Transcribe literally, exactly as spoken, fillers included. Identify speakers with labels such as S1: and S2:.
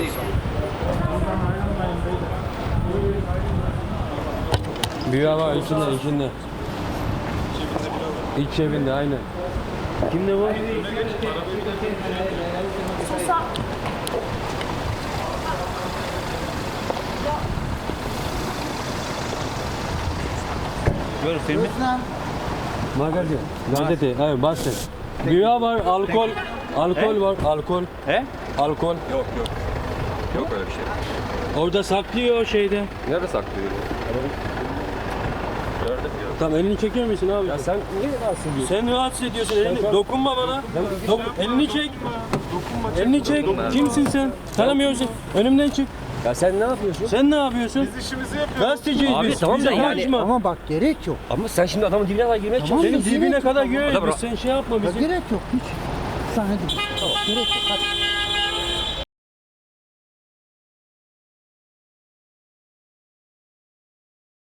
S1: Bira var içinde, içinde. İç cebinde aynen. Kimde bu?
S2: Sosa.
S3: Gör filmi.
S1: Magazin. Gazete. Evet basın. Bira var, alkol. Alkol
S3: He?
S1: var, alkol.
S3: He?
S1: Alkol.
S4: Yok yok. Yok öyle bir şey.
S1: Orada saklıyor o şeyde.
S4: Nerede saklıyor? Gördüm ya.
S1: Tamam elini çekiyor musun abi?
S4: Ya sen niye rahatsız ediyorsun?
S1: Sen rahatsız ediyorsun. Elini, dokunma bana. Dok, elini çek. Elini çek. Kimsin sen? Tanımıyorsun. Önümden çık.
S4: Ya sen ne yapıyorsun?
S1: Sen ne yapıyorsun?
S5: Biz işimizi yapıyoruz.
S1: Gazeteciyiz
S4: Abi
S1: biz.
S4: tamam
S1: Bize
S4: da yani-
S1: konuşma.
S6: Ama bak gerek yok.
S4: Ama sen şimdi adamın dibine kadar girmeye
S6: Tamam.
S4: çalışıyorsun.
S1: Senin dibine kadar
S4: Adam
S1: göğe
S4: bırak.
S1: Sen şey yapma
S6: Ya
S1: bizi.
S6: gerek yok hiç. Sahne değil. Tamam. Gerek yok. Hadi.